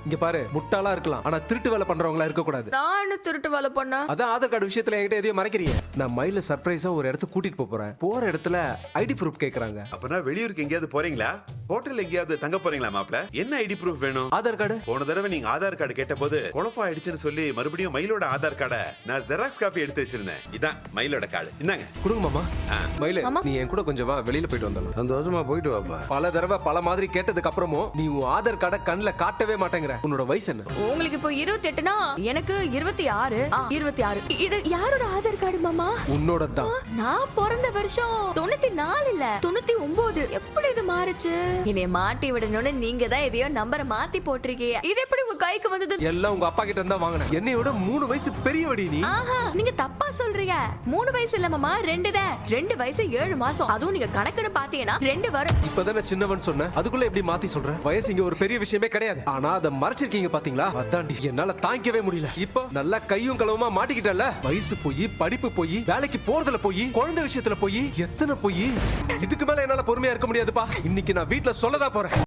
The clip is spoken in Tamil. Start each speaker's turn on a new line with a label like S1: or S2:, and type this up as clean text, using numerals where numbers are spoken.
S1: இங்க பாரு, முட்டாளா இருக்கலாம், ஆனா திருட்டு வேலை பண்றவங்களா இருக்க கூடாது.
S2: நான் என்ன திருட்டு வேலை பண்ண?
S1: அதான் ஆதார் கார்டு விஷயத்துல என்கிட்ட எதையும் மறைக்கிறீங்க. நான் மயில சர்ப்ரைஸா ஒரு இடத்துக்கு கூட்டிட்டு போறேன். போற இடத்துல ஐடி ப்ரூஃப் கேக்குறாங்க.
S3: அப்பனா வெளியூருக்கு எங்கேயாவது போறீங்களா? ஹோட்டல் எங்கேயாவது தங்க போறீங்களா மாப்ள? என்ன ஐடி ப்ரூஃப் வேணும்?
S1: ஆதார் கார்டு.
S3: போன தடவை நீங்க ஆதார் கார்டு கேட்ட போது குழப்பம் ஆயிடுச்சுன்னு சொல்லி மறுபடியும் மயிலோட ஆதார் கார்டை நான் ஜெராக்ஸ் காப்பி எடுத்து வச்சிருந்தேன். இதான் மயிலோட கார்டு. இந்தாங்க.
S1: கொடுங்க மாமா. மயில, நீ என் கூட கொஞ்சம் வா, வெளியில போயிட்டு வந்தலாம்.
S4: சந்தோஷமா போயிட்டு வாப்பா.
S1: பல தடவை பல மாதிரி கேட்டதுக்கு அப்புறமும் நீ உன் ஆதார் கார்டை கண்ணுல காட்டவே மாட்டேங்கிற. உன்னோட வயசு என்ன?
S2: உங்களுக்கு இப்போ 28னா எனக்கு 26. 26. இது யாரோட ஆதார் கார்டு மாமா?
S1: உன்னோட தான்.
S2: நான் பிறந்த வருஷம் 94 இல்ல 99. எப்படி இது மாறுச்சு? என்னைய மாட்டி விடணும்னு நீங்க தான் எதையோ நம்பரை மாத்தி போட்டிருக்கீங்க. இது எப்படி உங்க கைக்கு வந்தது?
S1: எல்லாம் உங்க அப்பா கிட்ட இருந்தா வாங்கினேன். என்னையோட 3 வயசு பெரியவடி நீ.
S2: ஆஹா, நீங்க தப்பா சொல்றீங்க. 3 வயசு இல்ல மாமா, 2 தான். 2 வயசு 7 மாசம். அதுவும் நீங்க கணக்குன்னு பாத்தீங்கன்னா 2 வரும்.
S1: இப்பதானே சின்னவன் சொன்ன, அதுக்குள்ள எப்படி மாத்தி சொல்ற? வயசு இங்க ஒரு பெரிய விஷயமே கிடையாது. ஆனா அதை மறைச்சிருக்கீங்க பாத்தீங்களா? அதான்டி என்னால தாங்கிக்கவே முடியல. இப்போ நல்லா கையும் களவுமா மாட்டிக்கிட்டல. வயசு போய், படிப்பு போய், வேலைக்கு போறதுல போய், குழந்தை விஷயத்துல போய், எத்தனை போய். இதுக்கு மேல என்னால பொறுமையா இருக்க முடியாதுப்பா. இன்னைக்கு நான் வீட்டுல சொல்லதான் போறேன்.